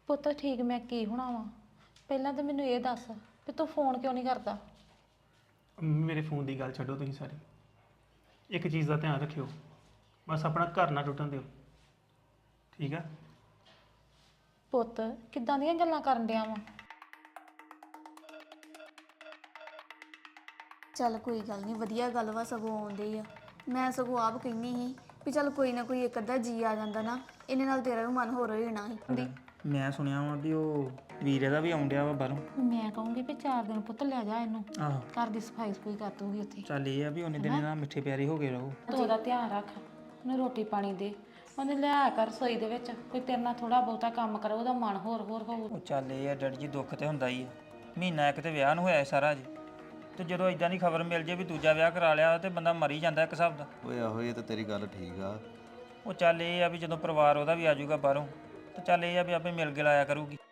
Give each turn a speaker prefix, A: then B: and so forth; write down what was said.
A: ਪੁੱਤ ਠੀਕ ਮੈਂ ਕੀ ਹੋਣਾ ਵਾ। ਪਹਿਲਾਂ ਤਾਂ ਮੈਨੂੰ ਇਹ ਦੱਸ ਕਿ ਤੂੰ ਫੋਨ ਕਿਉਂ ਨਹੀਂ ਕਰਦਾ।
B: ਮੇਰੇ ਫੋਨ ਦੀ ਗੱਲ ਛੱਡੋ ਤੁਸੀਂ ਸਾਰੀ। ਇੱਕ ਚੀਜ਼ ਦਾ ਧਿਆਨ ਰੱਖਿਓ, ਬਸ ਆਪਣਾ ਘਰ ਨਾ ਟੁੱਟਣ ਦਿਓ, ਠੀਕ ਆ?
A: ਪੁੱਤ ਕਿੱਦਾਂ ਦੀਆਂ ਗੱਲਾਂ ਕਰਨ ਡਿਆ ਵਾ।
C: ਚੱਲ ਕੋਈ ਗੱਲ ਨਹੀਂ, ਵਧੀਆ ਗੱਲ ਵਾ, ਸਗੋਂ ਆਉਂਦੇ ਆ। ਮੈਂ ਸਗੋਂ ਆਪ ਕਹਿੰਦੀ ਸੀ ਵੀ ਚੱਲ ਕੋਈ ਨਾ ਕੋਈ ਇੱਕ ਅੱਧਾ ਜੀ ਆ ਜਾਂਦਾ ਨਾ, ਇਹਨੇ ਨਾਲ ਤੇਰਾ ਵੀ ਮਨ ਹੋਰ ਹੋ ਜਾਣਾ ਸੀ।
D: ਮੈਂ ਸੁਣਿਆ ਵਾ ਵੀ ਉਹ ਵੀਰੇ ਦਾ ਵੀ ਆਉਂਦਿਆ ਵਾ ਬਾਹਰੋਂ।
A: ਮੈਂ ਕਹੂੰਗੀ ਵੀ 4 ਦਿਨ ਪੁੱਤ ਲੈ ਜਾ ਇਹਨੂੰ,
D: ਆਹੋ
A: ਘਰ ਦੀ ਸਫਾਈ ਸਫੂਈ ਕਰ ਦੂਗੀ ਉੱਥੇ।
D: ਚੱਲ ਇਹ ਆ ਵੀ ਉਹਨੇ ਦਿਨ ਨਾਲ ਮਿੱਠੇ ਪਿਆਰੇ ਹੋ ਗਏ ਰਹੋ।
A: ਤੂੰ ਉਹਦਾ ਧਿਆਨ ਰੱਖ, ਉਹਨੂੰ ਰੋਟੀ ਪਾਣੀ ਦੇ, ਉਹਨੇ ਲਿਆ ਕਰ ਰਸੋਈ ਦੇ ਵਿੱਚ ਕੋਈ ਤੇਰੇ ਨਾਲ ਥੋੜਾ ਬਹੁਤਾ ਕੰਮ ਕਰੇ, ਉਹਦਾ ਮਨ ਹੋਰ ਹੋਊ।
D: ਉਹ ਚੱਲ ਇਹ ਆ ਡੈਡੀ ਜੀ, ਦੁੱਖ ਤੇ ਹੁੰਦਾ ਹੀ ਆ। ਮਹੀਨਾ ਇੱਕ ਤੇ ਵਿਆਹ ਨੂੰ ਹੋਇਆ ਸਾਰਾ ਜੀ, ਤੇ ਜਦੋਂ ਇਦਾਂ ਦੀ ਖਬਰ ਮਿਲ ਜੇ ਵੀ ਦੂਜਾ ਵਿਆਹ ਕਰਾ ਲਿਆ ਤੇ ਬੰਦਾ ਮਰ ਹੀ ਜਾਂਦਾ ਇੱਕ ਹਿਸਾਬ ਦਾ।
E: ਓਏ ਆਹੋ ਇਹ ਤਾਂ ਤੇਰੀ ਗੱਲ ਠੀਕ ਆ।
D: ਉਹ ਚੱਲ ਇਹ ਆ ਵੀ ਜਦੋਂ ਪਰਿਵਾਰ ਉਹਦਾ ਵੀ ਆ ਜਾਊਗਾ ਬਾਹਰੋਂ, ਤੇ ਚੱਲ ਇਹ ਆ ਵੀ ਆਪੇ ਮਿਲ ਗਿਲ ਆਇਆ ਕਰੂਗੀ।